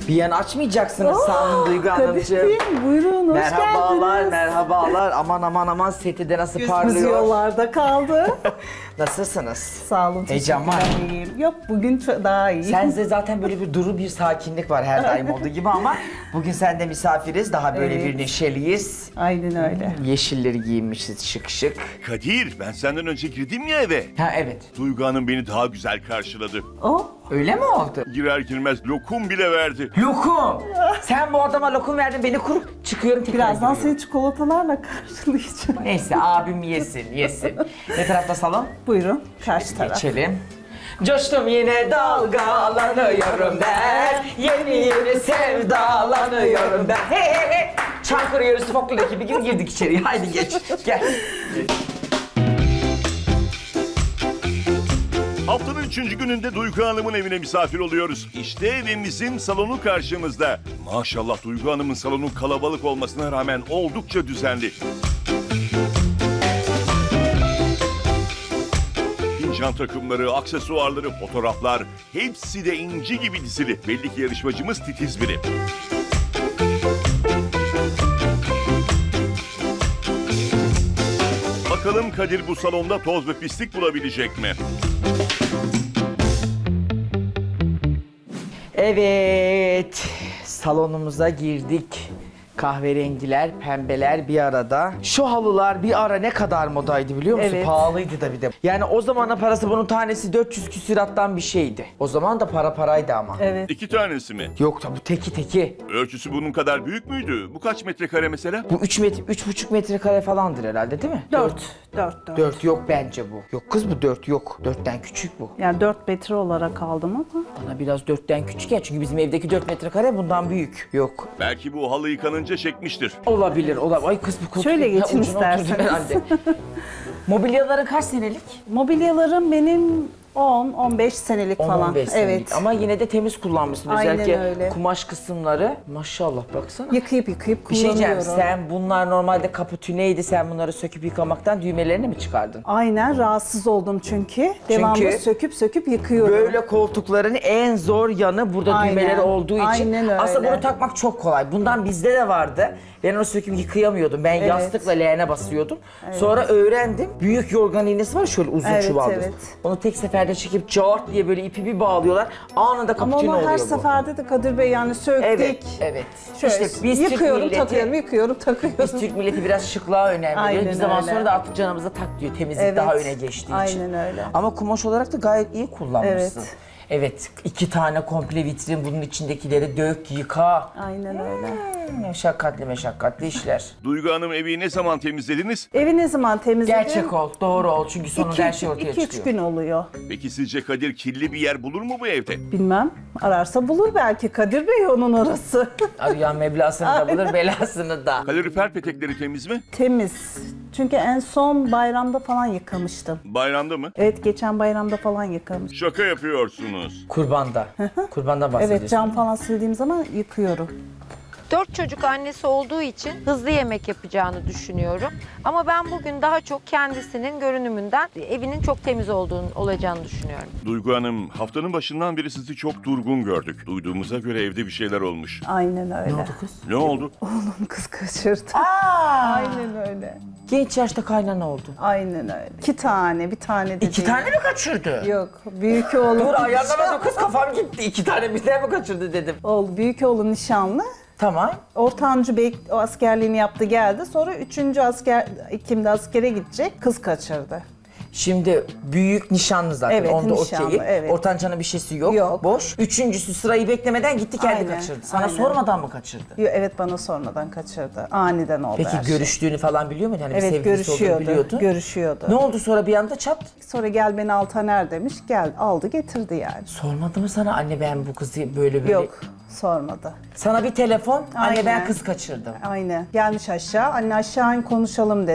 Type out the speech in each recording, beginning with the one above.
Bir an açmayacaksınız sandım Duygu Hanımcığım. Kadir Bey, buyurun hoş Merhabalar, geldiniz. merhabalar. Aman aman aman seti de nasıl Gözümüz parlıyor. yollarda kaldı. Nasılsınız? Sağ olun. Heyecan var. teşekkürler, iyiyim. Yok bugün daha iyi. Sende zaten böyle bir duru bir sakinlik var her daim olduğu gibi ama bugün sende misafiriz. Daha böyle Evet. bir neşeliyiz. Aynen öyle. Yeşilleri giyinmişiz şık şık. Kadir, ben senden önce girdim ya eve. Ha evet. Duygu Hanım beni daha güzel karşıladı. O Öyle mi oldu? Girer girmez lokum bile verdi. Lokum. Sen bu adama lokum verdin beni kurup çıkıyorum tekrar birazdan giriyorum. seni çikolatalarla karşılayacağım. Neyse abim yesin yesin. Ne tarafta salon? Buyurun karşı taraf. Geçelim. Coştum yine dalgalanıyorum ben. Yeni yeni sevdalanıyorum ben. Hey hey hey. Çankırı yörüsü folklor ekibi gibi girdik içeriye. Haydi geç gel. Haftanın 3. gününde Duygu Hanım'ın evine misafir oluyoruz. İşte evimizin salonu karşımızda. Maşallah Duygu Hanım'ın salonun kalabalık olmasına rağmen oldukça düzenli. Fincan takımları, aksesuarları, fotoğraflar hepsi de inci gibi dizili. Belli ki yarışmacımız titiz biri. Bakalım Kadir bu salonda toz ve pislik bulabilecek mi? Evet. Salonumuza girdik. Kahverengiler, pembeler bir arada. Şu halılar bir ara ne kadar modaydı biliyor musun? Evet. Pahalıydı da bir de. Yani o zamanın parası bunun tanesi 400 küsurattan bir şeydi. O zaman da para paraydı ama. Evet. 2 tanesi mi? Yok tabi teki teki. Ölçüsü bunun kadar büyük müydü? Bu kaç metrekare mesela? Bu 3,5 metrekare falandır herhalde değil mi? 4. 4 yok bence bu. Yok kız bu 4 yok. 4'ten küçük bu. Yani 4 metre olarak aldım ama. Bana biraz 4'ten küçük ya çünkü bizim evdeki 4 metrekare bundan büyük. Yok. Belki bu halı yıkanınca çekmiştir. Olabilir. Ay kız bu koltuk. Şöyle geçin ucuna oturdu isterseniz. herhalde. Mobilyaların kaç senelik? Mobilyalarım benim 10-15 senelik falan. 15 senelik. Evet. Ama yine de temiz kullanmışsın. Aynen Özellikle öyle. kumaş kısımları. Maşallah baksana. Yıkayıp Bir şey kullanıyorum. diyeceğim. Sen bunlar normalde kaputüneydi. Sen bunları söküp yıkamaktan düğmelerini mi çıkardın? Aynen rahatsız oldum çünkü. Devamlı söküp yıkıyorum. Böyle koltukların en zor yanı burada Aynen. düğmeleri olduğu için. Aynen öyle. Aslında bunu takmak çok kolay. Bundan bizde de vardı. Ben onu söküp yıkayamıyordum. Ben Evet. yastıkla leğene basıyordum. Sonra öğrendim. Büyük yorgan iğnesi var şöyle uzun Evet, çuvaldır. evet. Onu tek seferde çekip cart diye böyle ipi bir bağlıyorlar. Anında Ama kaputino onu oluyor her bu. seferde de Kadir Bey yani söktük. Evet, evet. Şöyle İşte biz Türk yıkıyorum, milleti- takıyorum, yıkıyorum, takıyorum. Biz Türk milleti biraz şıklığa önem veriyor. Aynen Bir zaman öyle. sonra da artık canımıza tak diyor. Temizlik Evet, daha öne geçtiği için. aynen öyle. Ama kumaş olarak da gayet iyi kullanmışsın. Evet. Evet, 2 tane komple vitrin, bunun içindekileri dök, yıka. Aynen öyle. Meşakkatli işler. Duygu Hanım evi ne zaman temizlediniz? Evi ne zaman temizledim? Gerçek ol, doğru ol çünkü sonunda her şey ortaya 2-3 çıkıyor. gün oluyor. Peki sizce Kadir kirli bir yer bulur mu bu evde? Bilmem. Ararsa bulur belki Kadir Bey onun arası. Arayan meblasını da bulur, belasını da. Kalorifer petekleri temiz mi? Temiz. Çünkü en son bayramda falan yıkamıştım. Bayramda mı? Evet geçen bayramda falan yıkamıştım. Şaka yapıyorsunuz. Kurbandan. Kurbandan bahsediyorsun. Evet cam falan sildiğim zaman yıkıyorum. 4 çocuk annesi olduğu için hızlı yemek yapacağını düşünüyorum. Ama ben bugün daha çok kendisinin görünümünden evinin çok temiz olacağını düşünüyorum. Duygu Hanım, haftanın başından beri sizi çok durgun gördük. Duyduğumuza göre evde bir şeyler olmuş. Aynen öyle. Ne oldu kız? Ne oldu? Oğlum kız kaçırdı. Aynen öyle. Genç yaşta kaynana oldu. Aynen öyle. 2 tane, bir tane de 2 değil. tane mi kaçırdı? Yok. Büyük oğlum. Dur ayarlamadım kız kafam gitti. 2 tane birden mi kaçırdı dedim. Oldu. Büyük oğlum nişanlı. Tamam. Ortancı bey o askerliğini yaptı geldi. Sonra 3. asker Ekim'de askere gidecek. Kız kaçırdı. Şimdi büyük nişanlı zaten. Evet, Onda nişanlı, okey. evet. Ortancanın bir şeysi yok. Yok. Boş. Üçüncüsü sırayı beklemeden gitti kendi Aynen, kaçırdı. Sana aynen. sormadan mı kaçırdı? Evet bana sormadan kaçırdı. Aniden oldu her Peki şey. görüştüğünü falan biliyor muydun? Hani bir Evet sevgilisi olduğunu görüşüyordu. biliyordun. Görüşüyordu. Ne oldu sonra bir anda çat? Sonra gel beni Altaner demiş. Gel aldı getirdi yani. Sormadı mı sana anne ben bu kızı böyle? Yok sormadı. Sana bir telefon anne ben Aynen. kız kaçırdım. Aynen. Gelmiş aşağı. Anne aşağı in konuşalım dedi.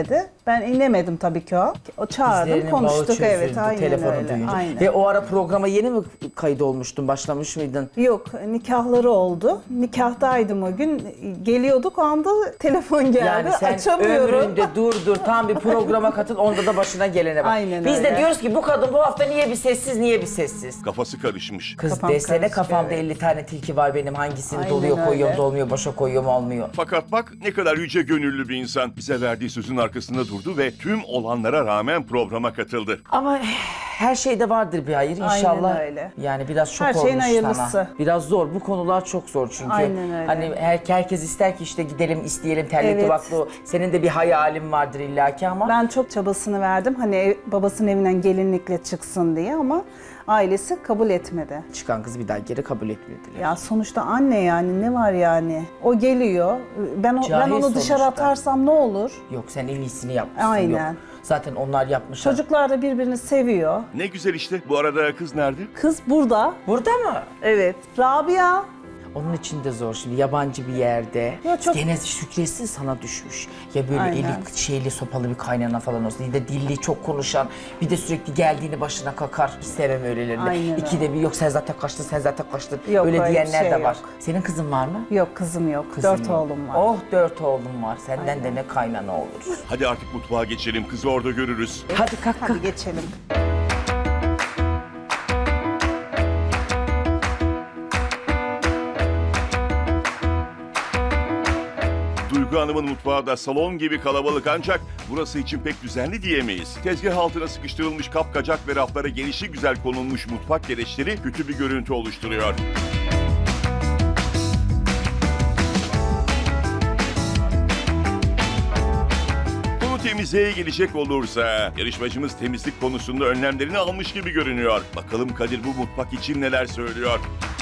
Ben inemedim tabii ki o. O çağırdım, Dizlerinin bağı konuştuk, çözüldü, evet, aynen telefonu öyle. duyunca. Aynen. Ve o ara programa yeni mi kayıt olmuştun? Başlamış mıydın? Yok, nikahları oldu. Nikahtaydım o gün. Geliyorduk, o anda telefon geldi. Yani sen Açamıyorum. ömründe dur tam bir programa katıl, onda da başına gelene bak. Aynen Biz de öyle. diyoruz ki bu kadın bu hafta niye bir sessiz? Kafası karışmış. Kız Kafam desene karışık, kafamda evet. 50 tane tilki var benim, hangisini Aynen doluyor koyuyorum öyle. dolmuyor, boşa koyuyorum olmuyor. Fakat bak ne kadar yüce gönüllü bir insan. Bize verdiği sözün arkasında durdu ve tüm olanlara rağmen programa katıldı. Ama her şeyde vardır bir hayır inşallah. Aynen öyle. Yani biraz şok Her şeyin olmuş hayırlısı. sana. Biraz zor. Bu konular çok zor çünkü. Aynen öyle. Hani herkes ister ki işte gidelim, isteyelim, terlikli Evet. vaklı. Senin de bir hayalin vardır illaki ama. Ben çok çabasını verdim. Hani babasının evinden gelinlikle çıksın diye ama ailesi kabul etmedi. Çıkan kız bir daha geri kabul etmediler. Ya sonuçta anne, yani ne var yani? O geliyor. Ben Cahil onu dışarı sonuçta. atarsam ne olur? Yok sen en iyisini yapmışsın. Aynen. Yok. Zaten onlar yapmışlar. Çocuklar da birbirini seviyor. Ne güzel işte. Bu arada kız nerede? Kız burada. Burada mı? Evet. Rabia. Onun için de zor şimdi yabancı bir yerde. Ya çok- Gene şükretsin sana düşmüş. Ya böyle Aynen. eli şeyli sopalı bir kaynana falan olsun. Ya da dilli çok konuşan. Bir de sürekli geldiğini başına kakar. Hiç sevmem öylelerini. Aynen İkide bir yok sen zaten kaçtın. Yok, öyle öyle bir diyenler şey de var. yok. Senin kızın var mı? Yok, kızım yok. Kızın 4 yok. oğlum var. Oh 4 oğlum var. Senden de ne kaynana olur. Hadi artık mutfağa geçelim. Kızı orada görürüz. Hadi kalk. Hadi geçelim. Duygu Hanım'ın mutfağı da salon gibi kalabalık ancak burası için pek düzenli diyemeyiz. Tezgah altına sıkıştırılmış kapkacak ve raflara gelişi güzel konulmuş mutfak gereçleri kötü bir görüntü oluşturuyor. Konu temizliğe gelecek olursa yarışmacımız temizlik konusunda önlemlerini almış gibi görünüyor. Bakalım Kadir bu mutfak için neler söylüyor?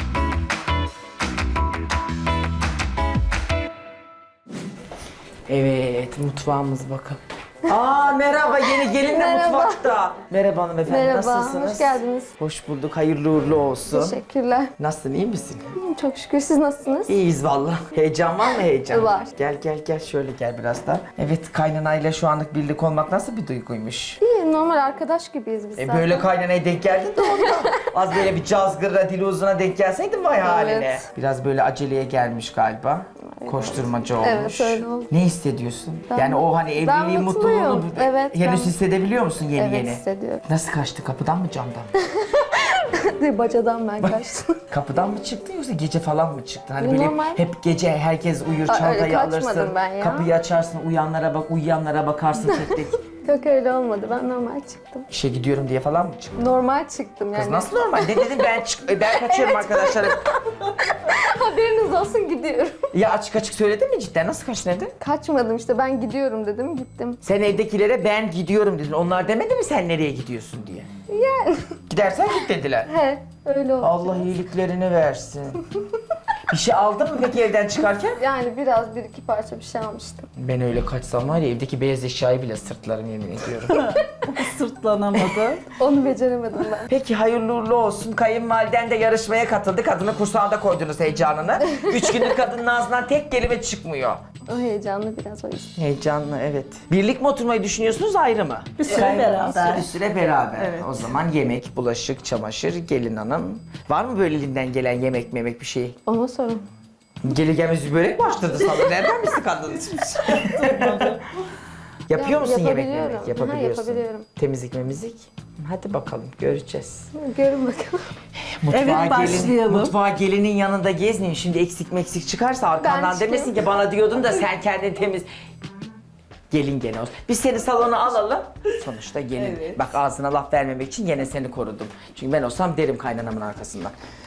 Evet mutfağımız bakın. Aa merhaba yeni gelin de Merhaba. mutfakta. Merhaba hanımefendi Merhaba, nasılsınız? hoş geldiniz. Hoş bulduk hayırlı uğurlu olsun. Teşekkürler. Nasılsın iyi misin? Çok şükür siz nasılsınız? İyiyiz valla. Heyecan var mı heyecan? Var. Gel şöyle gel biraz da. Evet kaynanayla şu anlık birlik olmak nasıl bir duyguymuş? İyi, normal arkadaş gibiyiz biz zaten. Böyle kaynanaya denk geldin de ondan. Az böyle bir cazgırla dili uzuna denk gelseydin vay haline. Biraz böyle aceleye gelmiş galiba. Koşturmaca olmuş. Evet, öyle oldu. Ne hissediyorsun? Ben- Yani o hani ben evliliğin mutluyum. mutluluğunu Evet, henüz ben- hissedebiliyor musun yeni Evet, yeni? hissediyorum. Nasıl kaçtı? Kapıdan mı camdan mı? Bacadan ben kaçtım. Kapıdan mı çıktı yoksa gece falan mı çıktı? Hani böyle Normal. hep gece herkes uyur, Aa, çantayı öyle kaçmadım alırsın, ben ya. kapıyı açarsın, uyuyanlara bakarsın tek tek. Yok öyle olmadı, ben normal çıktım. İşe gidiyorum diye falan mı çıktı? Normal çıktım yani. Kız nasıl normal? Ne dedim ben kaçıyorum arkadaşlarım. Haberiniz olsun, gidiyorum. Ya açık açık söyledin mi cidden? Nasıl kaçtın evden? Kaçmadım işte, ben gidiyorum dedim, gittim. Sen evdekilere ben gidiyorum dedin. Onlar demedi mi sen nereye gidiyorsun diye? Yani. Gidersen git dediler. He, öyle oldu. Allah iyiliklerini versin. Bir şey aldın mı peki evden çıkarken? Yani biraz bir iki parça bir şey almıştım. Ben öyle kaçsam var ya evdeki beyaz eşyayı bile sırtlarım yemin ediyorum. Sırtlanamadı. Onu beceremedim ben. Peki hayırlı uğurlu olsun. Kayınvaliden de yarışmaya katıldı. Kadını kursağında koydunuz heyecanını. 3 gündür kadının ağzından tek kelime çıkmıyor. O heyecanlı biraz o yüzden. Heyecanlı evet. Birlik mi oturmayı düşünüyorsunuz ayrı mı? Bir süre beraber. Bir süre beraber. Evet. O zaman yemek, bulaşık, çamaşır, gelin hanım. Var mı böyle elinden gelen yemek bir şey? Ona sorun. Geli gelmez börek mi açtırdı sana? Nereden misin kadın? Yapıyor musun yemek Yapabiliyorum. memek? Aha, Yapabiliyorsun. yapabiliyorum. Temizlik memizlik? Hadi bakalım göreceğiz. Görün bakalım. Evet, başlayalım. Mutfağa gelinin yanında gezmeyin. Şimdi eksik meksik çıkarsa arkandan çıkayım. demesin ki bana diyordun da sen kendin temiz. Gelin gene olsun. Biz seni salona alalım. Sonuçta gelin. Evet. Bak ağzına laf vermemek için gene seni korudum. Çünkü ben olsam derim kaynanamın arkasından.